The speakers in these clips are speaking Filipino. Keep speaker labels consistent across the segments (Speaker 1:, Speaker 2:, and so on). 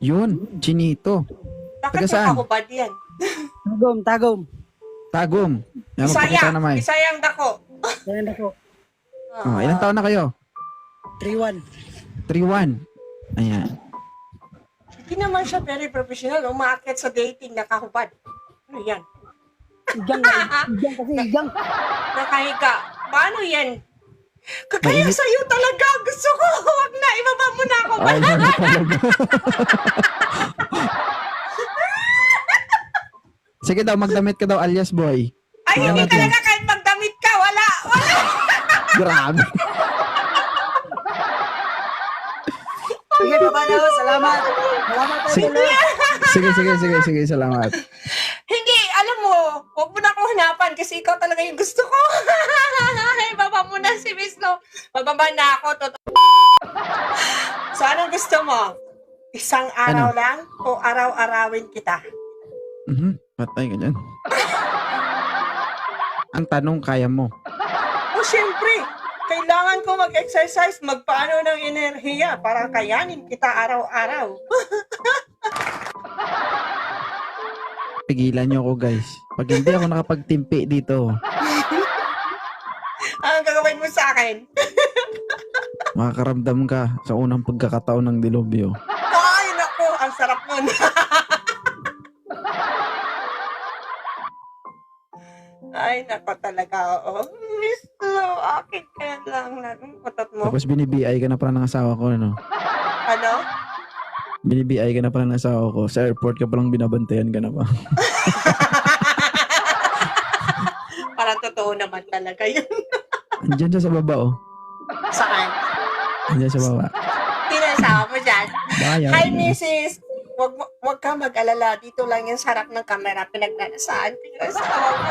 Speaker 1: Yun, Chinito.
Speaker 2: Bakit
Speaker 1: Taga saan?
Speaker 2: nakahubad yan?
Speaker 3: Tagom.
Speaker 1: Tagum. Yan, magpakita naman.
Speaker 2: Bisayang dako.
Speaker 3: Yan ako.
Speaker 1: Oh, ilang taon na kayo?
Speaker 3: 3-1.
Speaker 1: 3-1. Ayan.
Speaker 2: Hindi naman siya very professional. Umaakit sa dating, nakahubad. Ano yan?
Speaker 3: Igang kasi.
Speaker 2: Nakahiga. Paano yan? Kagaya
Speaker 1: Mainit.
Speaker 2: sa'yo talaga. Gusto ko. Huwag na. Ibaba mo na ako.
Speaker 1: Ay, ano talaga. Sige daw, magdamit ka daw alias boy.
Speaker 2: Ay,
Speaker 1: Tingnan
Speaker 2: hindi
Speaker 1: natin.
Speaker 2: talaga kahit magdamit ka. Wala.
Speaker 1: Grabe.
Speaker 3: Sige, baba na ako. Salamat. Salamat
Speaker 1: Sige.
Speaker 3: tayo.
Speaker 1: Sige, salamat.
Speaker 2: Hindi, alam mo, huwag mo na akong hanapan kasi ikaw talaga yung gusto ko. Ibaba mo na si Miss Lo. Bababa na ako. So, anong gusto mo? Isang araw
Speaker 1: Ano?
Speaker 2: lang o araw-arawin kita?
Speaker 1: Patay ka dyan. Ang tanong, kaya mo.
Speaker 2: O, syempre, kailangan ko mag-exercise, magpaano ng enerhiya para kayanin kita araw-araw.
Speaker 1: Pigilan nyo ako guys. Pag hindi ako nakapagtimpi dito,
Speaker 2: Anong gagawin mo sa akin?
Speaker 1: makakaramdam ka sa unang pagkakataon ng dilubyo.
Speaker 2: Ay, naku, ang sarap nun. Ay, nako talaga, oo. Miss Lo, akin ka lang na utot mo.
Speaker 1: Tapos binibiay ka na pala ng asawa ko, ano?
Speaker 2: Ano?
Speaker 1: Binibiay ka na pala ng asawa ko. Sa airport ka palang binabantayan ka na pa.
Speaker 2: Parang totoo naman talaga yun.
Speaker 1: Andiyan siya sa baba, oh.
Speaker 2: Saan?
Speaker 1: Andiyan sa baba.
Speaker 2: Pinasawa mo dyan.
Speaker 1: Bayan.
Speaker 2: Hi, Mrs. Wag ka mag-alala. Dito lang yung sarap ng camera. Pinagnanasaan ko yung asawa mo.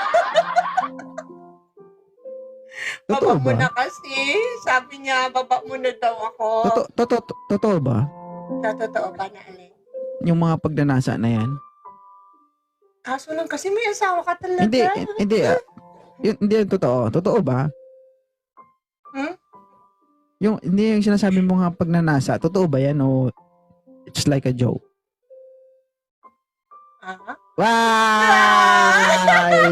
Speaker 1: Totoo
Speaker 2: Baba mo
Speaker 1: ba?
Speaker 2: na kasi. Sabi niya, baba mo na daw ako.
Speaker 1: Totoo ba?
Speaker 2: Totoo ba na alin?
Speaker 1: Yung mga pagnanasa na yan?
Speaker 2: Kaso lang kasi may asawa ka talaga.
Speaker 1: Hindi. Hindi yan totoo. Totoo ba?
Speaker 2: Hmm?
Speaker 1: Hindi yung sinasabi mo nga pagnanasa. Totoo ba yan o it's like a joke?
Speaker 2: Ah?
Speaker 1: Ay!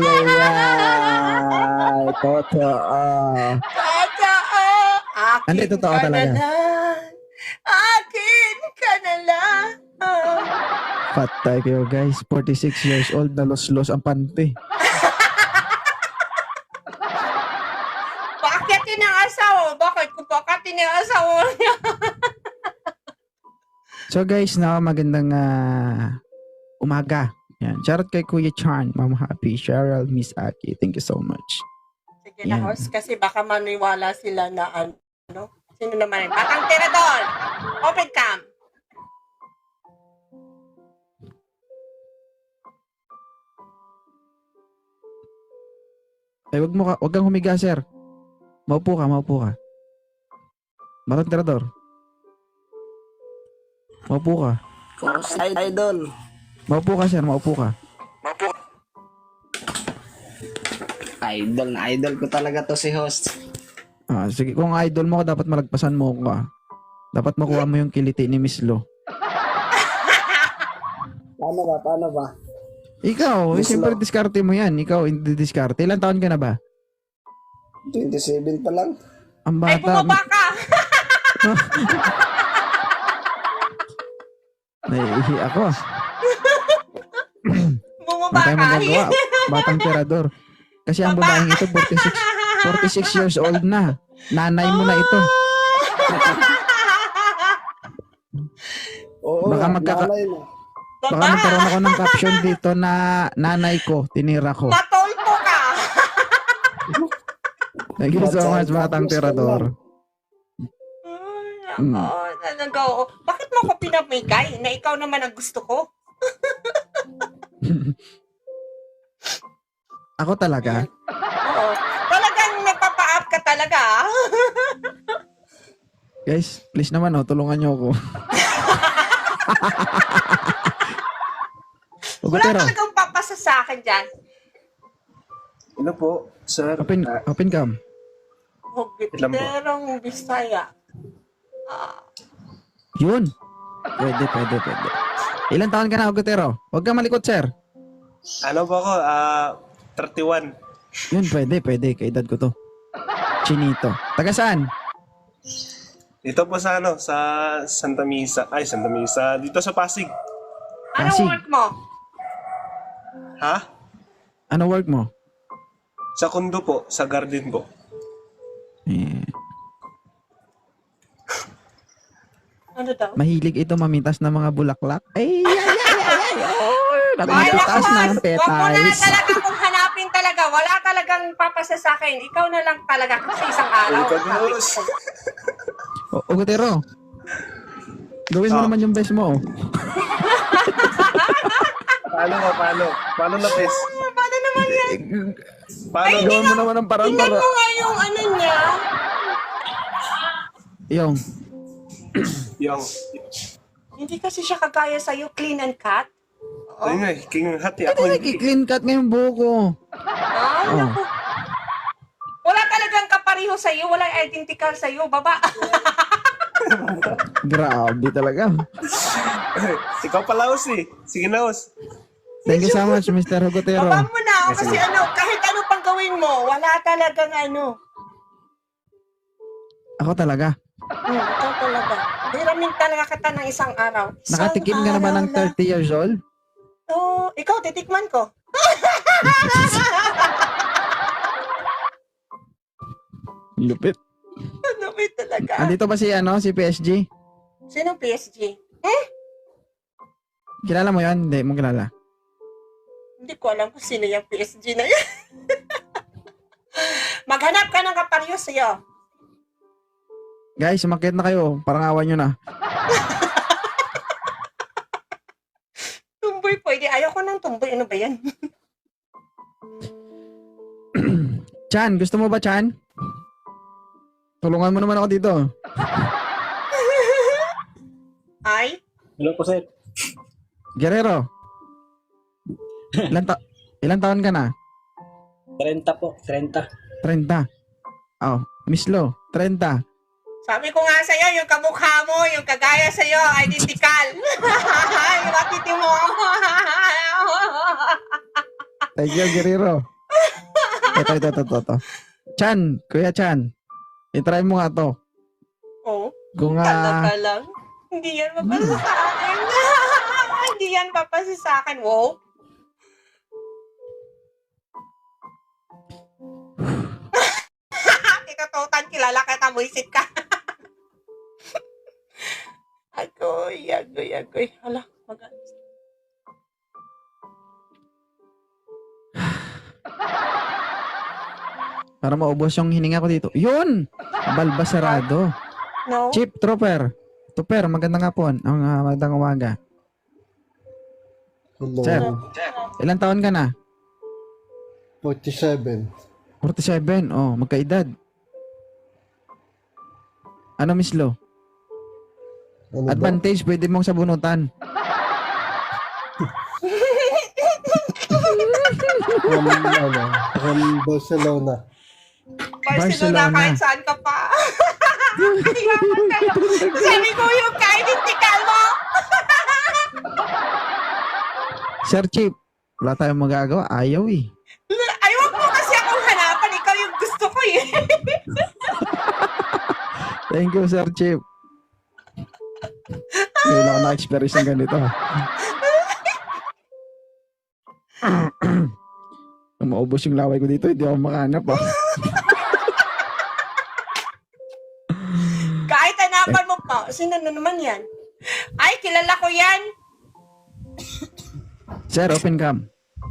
Speaker 1: Totoo.
Speaker 2: Totoo! Akin
Speaker 1: Hindi, totoo
Speaker 2: ka
Speaker 1: talaga.
Speaker 2: na lang. Akin ka na lang.
Speaker 1: Patay kayo guys. 46 years old na los-los ang pante.
Speaker 2: Paakyatin ang asawa. Bakit? Kung paakyatin ang asawa niya.
Speaker 1: So guys, magandang umaga. Yan. Shoutout kay Kuya Chan, Ma'am Happy, Cheryl, Miss Aki. Thank you so much.
Speaker 2: Sige na,
Speaker 1: Yan.
Speaker 2: host. Kasi baka maniwala sila na ano. Sino naman yun? Batang tirador! Open cam!
Speaker 1: Wag kang humiga, sir. Maupo ka. Batang tirador. Maupo ka.
Speaker 3: Idol.
Speaker 1: Maupo ka, sir. Maupo ka.
Speaker 3: Idol na idol ko talaga to si host.
Speaker 1: Sige, kung idol mo ko, dapat malagpasan mo ko. Dapat makuha mo yung kiliti ni Miss Lo.
Speaker 3: Paano ba?
Speaker 1: Ikaw,
Speaker 3: Miss
Speaker 1: siyempre
Speaker 3: Lo.
Speaker 1: diskarte mo yan. Ikaw, hindi diskarte. Ilan taon ka na ba?
Speaker 3: 27 pa lang.
Speaker 1: Ang
Speaker 2: Ay,
Speaker 1: bata.
Speaker 2: bumaba ka!
Speaker 1: Naiihi ako.
Speaker 2: Bumaba
Speaker 1: Wala tayong
Speaker 2: ka!
Speaker 1: magagawa. Batang tirador. Kasi ang
Speaker 2: Baba.
Speaker 1: babaeng ito, 46 years old na. Nanay mo na ito.
Speaker 3: Oo,
Speaker 1: Baka
Speaker 3: nanay na.
Speaker 1: Baka
Speaker 2: Baba!
Speaker 1: magkaroon ako ng caption dito na nanay ko, tinira ko.
Speaker 2: Matolpo ka!
Speaker 1: Thank you so much, batang tirador.
Speaker 2: Ay, nako, talaga. Oo. Bakit mo ako pinamigay na ikaw naman ang gusto ko?
Speaker 1: Ako talaga.
Speaker 2: Oo. Talagang nagpapa-up ka talaga. Ah.
Speaker 1: Guys, please naman, tulungan niyo ako.
Speaker 2: Wala
Speaker 1: Ugutero,
Speaker 2: talagang papasa sa akin dyan.
Speaker 4: Ano po, sir?
Speaker 1: open cam.
Speaker 4: Ilan po?
Speaker 2: Hugiterong Bisaya.
Speaker 1: Yun. Pwede. Ilan taon ka na, Agutero? Huwag ka malikot, sir.
Speaker 4: Ano ba ako? 31.
Speaker 1: Yun, pwede. Kaedad ko to. Chinito. Taga saan?
Speaker 4: Dito po sa sa Santa Misa. Ay, Santa Misa. Dito sa Pasig.
Speaker 2: Anong
Speaker 1: Pasig.
Speaker 2: work mo?
Speaker 4: Ha?
Speaker 1: Ano work mo?
Speaker 4: Sa kondo po. Sa garden po.
Speaker 1: Eh,
Speaker 2: Ano daw?
Speaker 1: mahilig ito mamitas ng mga bulaklak. Ay.
Speaker 2: Ay,
Speaker 1: Nakakataas na ang
Speaker 2: Wag mo na
Speaker 1: petals.
Speaker 2: talaga kung hanapin talaga. Wala talagang papasa sa akin. Ikaw na lang talaga kasi isang araw.
Speaker 4: Ikaw, Diyos.
Speaker 1: Agutero. Gawin mo
Speaker 4: Ah.
Speaker 1: naman yung best mo.
Speaker 4: Paano na, Pes?
Speaker 2: Paano naman yan?
Speaker 4: Paano?
Speaker 1: Gawin mo naman ang parang
Speaker 2: Tingnan mo nga yung ano niya.
Speaker 1: Yung.
Speaker 4: Yung,
Speaker 2: Hindi kasi siya kagaya sa'yo, clean and cut.
Speaker 4: ayun nga eh, king hati ako.
Speaker 1: Ano
Speaker 4: Hindi.
Speaker 1: nag-clean cut ngayong buhok ko?
Speaker 2: Ah,
Speaker 1: Oh.
Speaker 2: naku. Wala talagang kapareho sa'yo. Walang identical sa'yo. Baba.
Speaker 1: Grabe talaga.
Speaker 4: Ikaw pala, Os eh. Sige na, Os.
Speaker 1: Thank you so much, Mr. Agutero.
Speaker 2: Baba mo na. Kasi kahit ano pang gawin mo, wala talagang ano.
Speaker 1: Ako talaga.
Speaker 2: Ikaw talaga. Hiramin talaga kita ng isang araw.
Speaker 1: Nakatikim ka na ba ng 30 years old?
Speaker 2: Oo. Ikaw, titikman ko.
Speaker 1: Lupit.
Speaker 2: Ano ba talaga?
Speaker 1: Andito ba si PSG?
Speaker 2: Sinong PSG?
Speaker 1: Kilala mo yan? Hindi mo kilala.
Speaker 2: Hindi ko alam kung sino yung PSG na yan. Maghanap ka ng kapareho sa'yo.
Speaker 1: Guys, sumakit na kayo. Parang awan nyo na.
Speaker 2: Tumboy pwede. Ayaw ko ng tumboy. Ano ba yan?
Speaker 1: Chan, gusto mo ba, Chan? Tulungan mo naman ako dito.
Speaker 2: Ay?
Speaker 3: Hello po, sir.
Speaker 1: Guerrero. Ilan taon ka na?
Speaker 3: 30 po, 30.
Speaker 1: 30. Oh, Miss Lo, 30.
Speaker 2: Sabi ko nga sa'yo, yung kamukha mo, yung kagaya sa'yo, identical. Yung matiti mo.
Speaker 1: Thank you, Guerrero. Ito. Chan, Kuya Chan. I-try mo nga to.
Speaker 2: Oh,
Speaker 1: Kung
Speaker 2: talaga lang. Hindi yan papasa sa akin. Hindi yan papasa sa akin. Wow. Kikatotan, kilala ka, tamuisit ka. Agoy. Hala, mag-alis.
Speaker 1: para maubos yung hininga ko dito. Yun! Balbasarado.
Speaker 2: No?
Speaker 1: Chief Trooper. Trooper, magandang hapon. Magandang umaga.
Speaker 5: Hello.
Speaker 1: Sir, ilang taon ka na?
Speaker 5: 47.
Speaker 1: 47. Oh, magkaedad. Ano, Miss Lo?
Speaker 5: Ano ba?
Speaker 1: Advantage, pwede mong sabunutan.
Speaker 5: From Barcelona.
Speaker 2: Barcelona, kahit saan ka pa. Yaman kayo. Sabi ko yung ka-identical mo.
Speaker 1: Sir Chief, wala tayong magagawa. Ayaw eh.
Speaker 2: Ay, wag mo kasi akong hanapan. Ikaw yung gusto ko eh.
Speaker 1: Thank you, Sir Chief. Hindi na ako na-experience ng ganito. Kung maubos yung laway ko dito, hindi ako makahanap. Oh.
Speaker 2: Kahit hanapan mo pa. Sino na naman yan? Ay, kilala ko yan.
Speaker 1: Sir, open cam.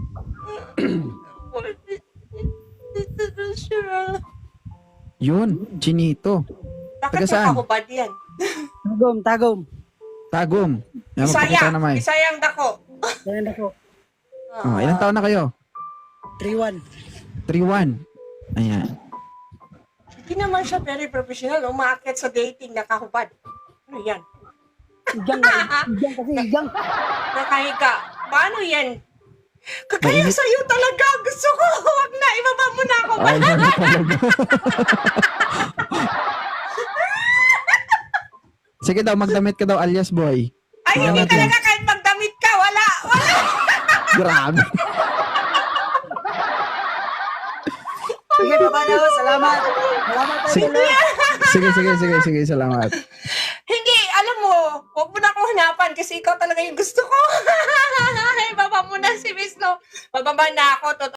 Speaker 1: Yun, Chinito.
Speaker 2: Bakit
Speaker 1: Taga
Speaker 2: may
Speaker 1: saan?
Speaker 2: kahubad yan?
Speaker 3: Tagom.
Speaker 1: Tagum. Yan, magpakita
Speaker 2: Bisaya.
Speaker 1: naman.
Speaker 2: Bisayang dako.
Speaker 3: Ayan ako.
Speaker 1: Oh, ilang taon na kayo?
Speaker 3: 3-1.
Speaker 1: 3-1. Ayan.
Speaker 2: Hindi naman siya very professional. Umaakit sa dating na kahubad. Ano yan?
Speaker 3: Igang kasi igang.
Speaker 2: Nakahiga. Paano yan? Kagaya
Speaker 1: Mainit.
Speaker 2: sa'yo talaga. Gusto ko. Huwag na. Ibaba mo na ako.
Speaker 1: Ay, ano talaga. Sige daw, magdamit ka daw alias boy.
Speaker 2: Ay,
Speaker 1: Tingnan
Speaker 2: hindi
Speaker 1: natin.
Speaker 2: talaga kahit magdamit ka. Wala.
Speaker 1: Grabe.
Speaker 3: Sige, baba na ako. Salamat. Salamat po
Speaker 1: Sige.
Speaker 3: sila.
Speaker 1: Sige, salamat.
Speaker 2: Hindi, alam mo, huwag mo na akong hanapan kasi ikaw talaga yung gusto ko. Baba mo na si Miss Lo. Bababa na ako.